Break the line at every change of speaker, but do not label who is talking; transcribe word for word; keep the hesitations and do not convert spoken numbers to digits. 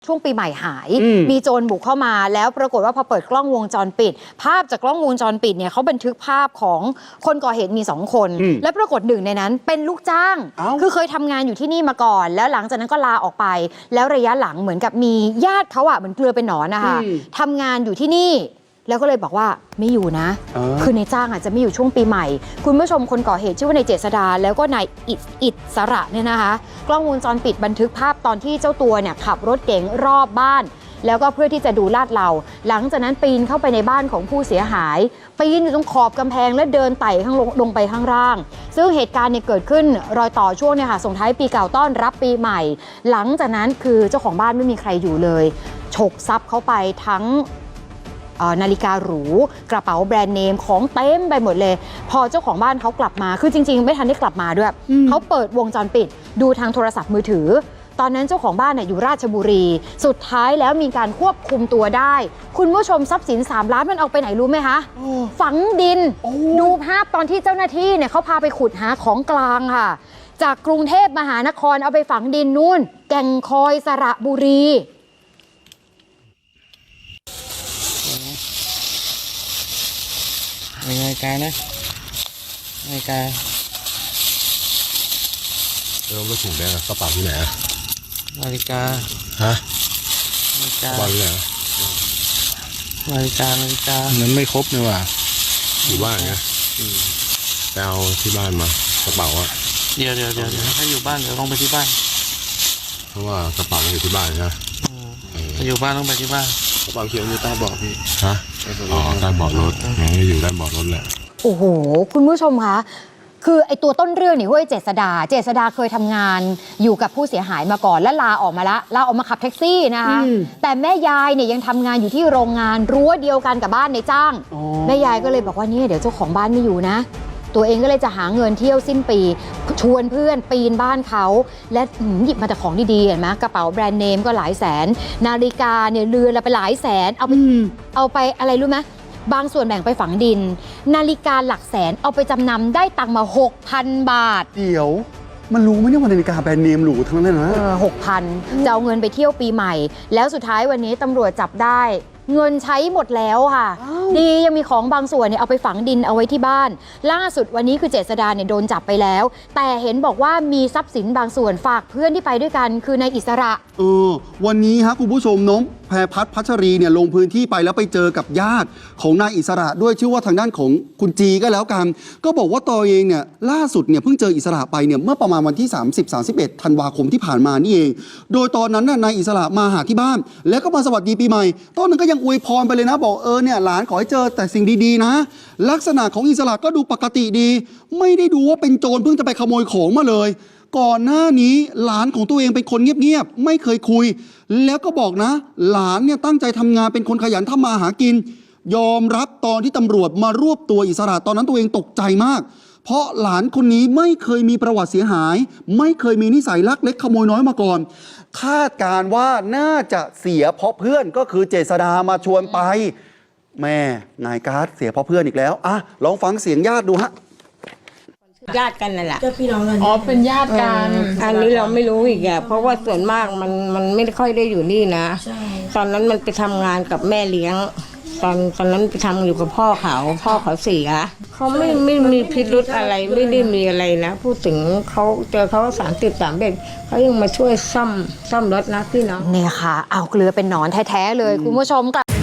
ช่วงปีใหม่หายมีโจรบุกเข้ามาแล้วปรากฏว่าพอเปิดกล้องวงจรปิดภาพจากกล้องวงจรปิดเนี่ยเขาบันทึกภาพของคนก่อเหตุมีสองคนและปรากฏหนึ่งในนั้นเป็นลูกจ้างคือเคยทำงานอยู่ที่นี่มาก่อนแล้วหลังจากนั้นก็ลาออกไปแล้วระยะหลังเหมือนกับมีญาติเขาอะเหมือนเกลือเป็นหนอนนะคะทำงานอยู่ที่นี่แล้วก็เลยบอกว่าไม่อยู่นะคือในจ้างอาจจะไม่อยู่ช่วงปีใหม่คุณผู้ชมคนก่อเหตุชื่อว่านายเจษดาแล้วก็นายอิสอิสระเนี่ยนะคะกล้องวงจรปิดบันทึกภาพตอนที่เจ้าตัวเนี่ยขับรถเก๋งรอบบ้านแล้วก็เพื่อที่จะดูลาดเราหลังจากนั้นปีนเข้าไปในบ้านของผู้เสียหายปีนอยู่ตรงขอบกำแพงและเดินไต่ข้างลงลงไปข้างล่างซึ่งเหตุการณ์เนี่ยเกิดขึ้นรอยต่อช่วงเนี่ยค่ะส่งท้ายปีเก่าต้อนรับปีใหม่หลังจากนั้นคือเจ้าของบ้านไม่มีใครอยู่เลยฉกทรัพย์เข้าไปทั้งนาฬิกาหรูกระเป๋าแบรนด์เนมของเต็มไปหมดเลยพอเจ้าของบ้านเขากลับมาคือจริงๆไม่ทันได้กลับมาด้วยเขาเปิดวงจรปิดดูทางโทรศัพท์มือถือตอนนั้นเจ้าของบ้านเนี่ยอยู่ราชบุรีสุดท้ายแล้วมีการควบคุมตัวได้คุณผู้ชมทรัพย์สินสามล้านมันเอาไปไหนรู้ไหมคะฝังดินดูภาพตอนที่เจ้าหน้าที่เนี่ยเขาพาไปขุดหาของกลางค่ะจากกรุงเทพมหานครเอาไปฝังดินนู่นแก่งคอยสระบุรี
นาฬิกานะนาฬิกา
แล้วรถถุงแดงกระเป๋าที่ไหนอะ
นาฬิกา
ฮะ
นาฬิกาก
ระเป๋าที่ไหน
นาฬิกานาฬิกา
นั้นไม่ครบเลยว่ะอยู่บ้านไงไปเอาที่บ้านมากระเป๋าอะ
เดี๋ยวเดี๋ยวเดี๋ยวถ้าอยู่บ้านเดี๋ยวลงไปที่บ้าน
เพราะว่ากระเป๋าอยู่ที่บ้านนะ
ถ้าอยู่บ้านต้องไปที่บ้าน
กระเป๋าเขียวอยู่ใต้เบาะพี่ฮะอ๋อใต้เบาะรถงั้นอยู่ใต้เบาะรถแหละ
โอ้โหคุณผู้ชมคะคือไอตัวต้นเรื่องนี่ห้วยเจษดาเจษดาเคยทำงานอยู่กับผู้เสียหายมาก่อนและลาออกมาละลาออกมาขับแท็กซี่นะคะแต่แม่ยายเนี่ยยังทำงานอยู่ที่โรงงานรั้วเดียวกันกับบ้านในจ้างแม่ยายก็เลยบอกว่านี่เดี๋ยวเจ้าของบ้านไม่อยู่นะตัวเองก็เลยจะหาเงินเที่ยวสิ้นปีชวนเพื่อนปีนบ้านเขาและหยิบมาแต่ของดีๆเห็นไหมกระเป๋าแบรนด์เนมก็หลายแสนนาฬิกาเนี่ยเรือนละไปหลายแสนเอาไปเอาไปอะไรรู้ไหมบางส่วนแบ่งไปฝังดินนาฬิกาหลักแสนเอาไปจำนำได้ตังค์มา หกพัน บาท
เดี๋ยวมันรู้ไหมเนี่ยว่านาฬิกาแบรนด์เนมหรูทั้งนั้นนะ
เออหกพันจะเอาเงินไปเที่ยวปีใหม่แล้วสุดท้ายวันนี้ตำรวจจับได้เงินใช้หมดแล้วค่ะดียังมีของบางส่วนเนี่ยเอาไปฝังดินเอาไว้ที่บ้านล่าสุดวันนี้คือเจษดาเนี่ยโดนจับไปแล้วแต่เห็นบอกว่ามีทรัพย์สินบางส่วนฝากเพื่อนที่ไปด้วยกันคือนายอิสระ
เออวันนี้ฮะคุณผู้ชมน้องแพรพัฒน์พัชรีเนี่ยลงพื้นที่ไปแล้วไปเจอกับญาติของนายอิสระด้วยชื่อว่าทางด้านของคุณจีก็แล้วกันก็บอกว่าตัวเองเนี่ยล่าสุดเนี่ยเพิ่งเจออิสระไปเนี่ยเมื่อประมาณวันที่สามสิบ สามสิบเอ็ดธันวาคมที่ผ่านมานี่เองโดยตอนนั้นน่ะนายอิสระมาหาที่บ้านแล้วก็มาสวัสดีปีใหม่ตอนนั้นก็ยังอวยพรไปเลยนะบอกเออเนี่ยหลานขอให้เจอแต่สิ่งดีๆนะลักษณะของอิสระก็ดูปกติดีไม่ได้ดูว่าเป็นโจรเพิ่งจะไปขโมยของมาเลยก่อนหน้านี้หลานของตัวเองเป็นคนเงียบๆไม่เคยคุยแล้วก็บอกนะหลานเนี่ยตั้งใจทำงานเป็นคนขยันทำมาหากินยอมรับตอนที่ตำรวจมารวบตัวอิสระตอนนั้นตัวเองตกใจมากเพราะหลานคนนี้ไม่เคยมีประวัติเสียหายไม่เคยมีนิสัยลักเล็กขโมยน้อยมาก่อนคาดการว่าน่าจะเสียเพราะเพื่อนก็คือเจษดามาชวนไปแม่นายการ์ดเสียเพราะเพื่อนอีกแล้วอ่ะลองฟังเสียงญาติดูฮะ
ญาติกันนั่นแหละ
ก็พี่น้องกัน
อ๋อเป็นญาติกันอันนี้เราไม่รู้อีกอ่ะเพราะว่าส่วนมากมันมันไม่ค่อยได้อยู่นี่นะตอนนั้นมันไปทำงานกับแม่เลี้ยงตอนตอนนั้นไปทำอยู่กับพ่อเขาพ่อเขาเสียเขาไม่ไม่มีพิรุธอะไรไม่ได้มีอะไรนะพูดถึงเขาเจอเขาสามสิบสามเด็กเขายังมาช่วยซ่อมซ่อมรถนะพี่น้อง
เนี่ยค่ะเอาเกลือเป็นหนอนแท้ๆเลยคุณผู้ชมกลับ